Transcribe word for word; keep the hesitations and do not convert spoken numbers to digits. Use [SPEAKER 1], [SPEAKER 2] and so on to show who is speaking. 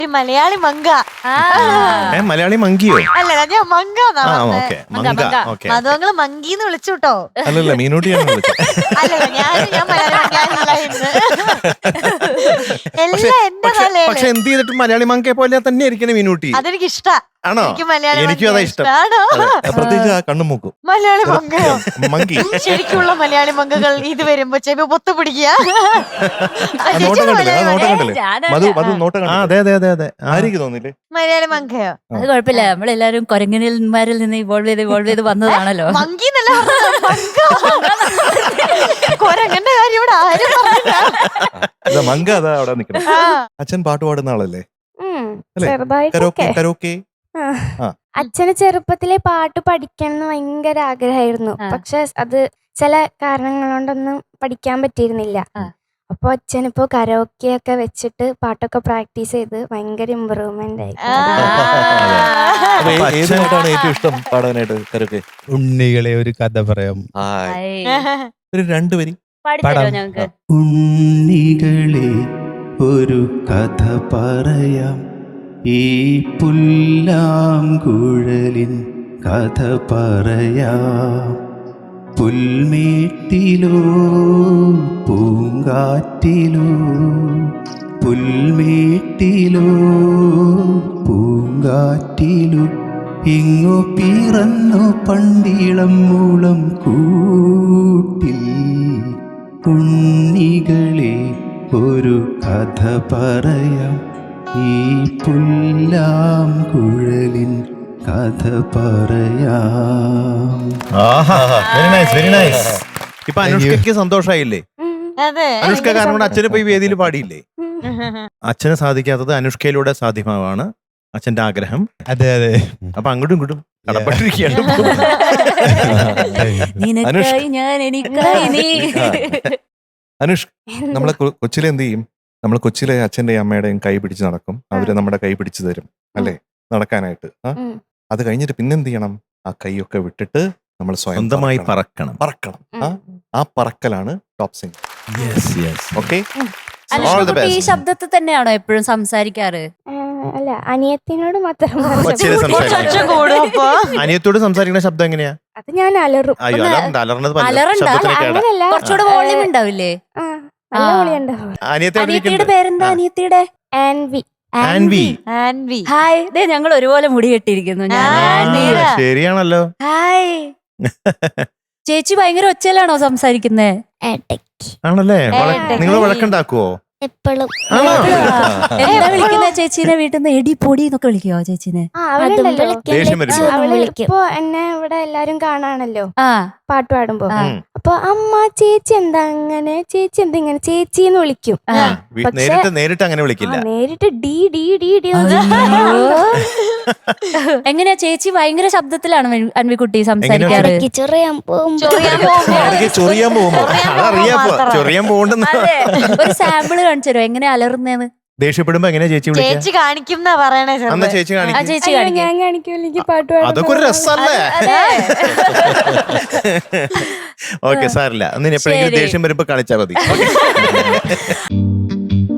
[SPEAKER 1] മലയാളി മങ്ക.
[SPEAKER 2] മലയാളി മങ്കിയോ?
[SPEAKER 1] അല്ല ഞാൻ മങ്ക. മധുവങ്ങള് മങ്കീന്ന് വിളിച്ചു കേട്ടോ.
[SPEAKER 2] അല്ലല്ല മീനൂട്ടിയാണ് വിളിച്ചത്.
[SPEAKER 1] അല്ലല്ല ഞാൻ ഞാൻ മലയാളി മങ്കാനില്ല ഇന്ന്. എല്ലാം എന്റെ തലയില്.
[SPEAKER 2] പക്ഷെ എന്ത് ചെയ്തിട്ടും മലയാളി മങ്കയെ പോലെ തന്നെ ഇരിക്കണേ മീനൂട്ടി.
[SPEAKER 1] അതെനിക്ക് ഇഷ്ടാ.
[SPEAKER 2] ആണോ? എനിക്കും അതാ ഇഷ്ടം. പ്രത്യേകിച്ച് ആ കണ്ണും മൂക്കും.
[SPEAKER 1] മലയാളി മങ്കയോ?
[SPEAKER 2] മങ്കി
[SPEAKER 1] ശരിക്കുള്ള മലയാളി മങ്കകൾ ഇത് വരുമ്പോ ചെവി പൊത്തു പിടിക്കുക.
[SPEAKER 2] നോട്ടം കണ്ടില്ലേ? ആ നോട്ടം കണ്ടില്ലേ? മധു മധു നോട്ടം കണ്ടില്ലേ? അതെ അതെ അതെ അതെ. ആർക്ക് തോന്നില്ലേ
[SPEAKER 1] മലയാളി മങ്കയോ?
[SPEAKER 3] അത് കുഴപ്പമില്ല, നമ്മളെല്ലാരും കൊരങ്ങനിൽമാരിൽ നിന്ന് ഇവോൾവ് ചെയ്ത് ഇവോൾവ് ചെയ്ത് വന്നതാണല്ലോ.
[SPEAKER 1] മങ്കി എന്നല്ല കൊരങ്ങന്റെ കാര്യം ഇവിടെ ആരും പറഞ്ഞില്ല.
[SPEAKER 2] മങ്ക അതാ അവിടെ നിക്കണം. അച്ഛൻ പാട്ട് പാടുന്ന ആളല്ലേ?
[SPEAKER 4] ചെറുതായിട്ടൊക്കെ.
[SPEAKER 2] കരോക്കെ.
[SPEAKER 4] അച്ഛന് ചെറുപ്പത്തിലെ പാട്ട് പഠിക്കണം എന്ന് ഭയങ്കര ആഗ്രഹമായിരുന്നു. പക്ഷെ അത് ചില കാരണങ്ങൾ കൊണ്ടൊന്നും പഠിക്കാൻ പറ്റിയിരുന്നില്ല. അപ്പൊ അച്ഛനിപ്പോ കരോക്കെ ഒക്കെ വെച്ചിട്ട് പാട്ടൊക്കെ പ്രാക്ടീസ് ചെയ്ത് ഭയങ്കര ഇമ്പ്രൂവ്മെന്റ് ആയി.
[SPEAKER 2] ഏത് പാട്ടാണ് ഏറ്റവും ഇഷ്ടം പാടാനായിട്ട്? കരോക്കെ.
[SPEAKER 5] ഉണ്ണികളെ ഒരു കഥ പറയാം.
[SPEAKER 2] ഒരു രണ്ടു വരി
[SPEAKER 3] പാടിത്തരോ ഞങ്ങക്ക്?
[SPEAKER 6] ഉണ്ണികളെ ഒരു കഥ പറയാം, ഈ പുല്ലാങ്കുഴലിൻ കഥ പറയാം. പുൽമേട്ടിലോ പൂങ്കാറ്റിലോ, പുൽമേട്ടിലോ പൂങ്കാറ്റിലോ, ഇങ്ങു പിറന്നു പണ്ടിളം മൂളം കൂട്ടിൽ. ഉണ്ണികളെ ഒരു കഥ പറയാം, ഈ പുല്ലാങ്കുഴലിൻ കഥ പറയാം.
[SPEAKER 2] Very nice very nice. ഇപ്പൊ അനുഷ്കയ്ക്ക് സന്തോഷായില്ലേ? അനുഷ്ക കാരണം കൊണ്ട് അച്ഛന് പോയി വേദിയിൽ പാടിയില്ലേ? അച്ഛന് സാധിക്കാത്തത് അനുഷ്കയിലൂടെ സാധ്യമാവാണ് അച്ഛന്റെ ആഗ്രഹം.
[SPEAKER 5] അതെ അതെ.
[SPEAKER 2] അപ്പൊ അങ്ങോട്ടും ഇങ്ങോട്ടും കടപ്പെട്ടിരിക്കുകയാണ്. അനുഷ്, നമ്മളെ കൊച്ചിലെ എന്ത് ചെയ്യും? നമ്മൾ കൊച്ചിലെ അച്ഛന്റെയും അമ്മയുടെയും കൈ പിടിച്ച് നടക്കും. അവര് നമ്മുടെ കൈ പിടിച്ചു തരും അല്ലേ നടക്കാനായിട്ട്. അത് കഴിഞ്ഞിട്ട് പിന്നെന്ത് ചെയ്യണം? ആ കൈയൊക്കെ വിട്ടിട്ട് നമ്മൾ സ്വന്തമായി പറക്കണം പറക്കണം ആ പറക്കലാണ് ടോപ്പ് സിംഗർ. ഓക്കെ.
[SPEAKER 3] ഈ ശബ്ദത്തിൽ തന്നെയാണോ എപ്പോഴും സംസാരിക്കാറ്?
[SPEAKER 4] അല്ല, അനിയത്തിനോട് മാത്രം.
[SPEAKER 2] അനിയത്തോട് സംസാരിക്കുന്ന ശബ്ദം എങ്ങനെയാ?
[SPEAKER 4] അത് ഞാൻ അലറും.
[SPEAKER 2] അയ്യോ അലർന്നത്
[SPEAKER 3] കുറച്ചുകൂടെ വോളിയം ഉണ്ടാവില്ലേ?
[SPEAKER 2] അനിയത്തിയുടെ
[SPEAKER 3] പേരെന്താ? അനിയത്തിയുടെ
[SPEAKER 4] ആൻവി.
[SPEAKER 2] ആൻവി.
[SPEAKER 3] ആൻവി. ഹായ്. ദേ ഞങ്ങൾ ഒരുപോലെ മുടി കെട്ടിയിരിക്കുന്നു.
[SPEAKER 2] ശരിയാണല്ലോ.
[SPEAKER 3] ഹായ്. ചേച്ചി ഭയങ്കര ഒച്ചയിലാണോ സംസാരിക്കുന്നേ?
[SPEAKER 2] ആണല്ലേ? നിങ്ങൾ വഴക്കുണ്ടാക്കുവോ?
[SPEAKER 4] എപ്പോഴും.
[SPEAKER 3] എന്താ വിളിക്കുന്ന ചേച്ചീനെ? വീട്ടിൽ നിന്ന് എടി പൊടി എന്നൊക്കെ വിളിക്കുവോ ചേച്ചീനെ?
[SPEAKER 4] ഇപ്പൊ എന്നെ ഇവിടെ എല്ലാരും കാണാണല്ലോ
[SPEAKER 3] ആ
[SPEAKER 4] പാട്ട് പാടുമ്പോ. അപ്പൊ അമ്മ ചേച്ചി എന്താ അങ്ങനെ, ചേച്ചി എന്താ ഇങ്ങനെ, ചേച്ചി എന്ന് വിളിക്കും.
[SPEAKER 2] നേരിട്ട് അങ്ങനെ വിളിക്കില്ല.
[SPEAKER 4] നേരിട്ട് ഡി ഡി ഡി ഡി.
[SPEAKER 3] എങ്ങനെയാ ചേച്ചി? ഭയങ്കര ശബ്ദത്തിലാണ് അൻവിക്കുട്ടി സംസാരിക്കാറ്.
[SPEAKER 4] ചൊറിയാൻ പോകുമ്പോ
[SPEAKER 2] ചൊറിയാൻ പോകുമ്പോ ചൊറിയാൻ പോകണ്ടെന്ന്
[SPEAKER 3] ഒരു സാമ്പിള് കാണിച്ചു തരുമോ എങ്ങനെ അലറുന്നേന്ന്?
[SPEAKER 2] ദേഷ്യപ്പെടുമ്പോ എങ്ങനെ ചേച്ചി
[SPEAKER 1] ചേച്ചി കാണിക്കും പറയണേ.
[SPEAKER 2] ചേച്ചി
[SPEAKER 3] ചേച്ചി
[SPEAKER 4] ഞാൻ കാണിക്കും പാട്ട് പാടും.
[SPEAKER 2] അതൊക്കെ ഒരു രസമല്ലേ? ഓക്കെ സാറില്ല. അന്ന് എപ്പോഴെങ്കിലും ദേഷ്യം വരുമ്പോ കാണിച്ചാൽ മതി.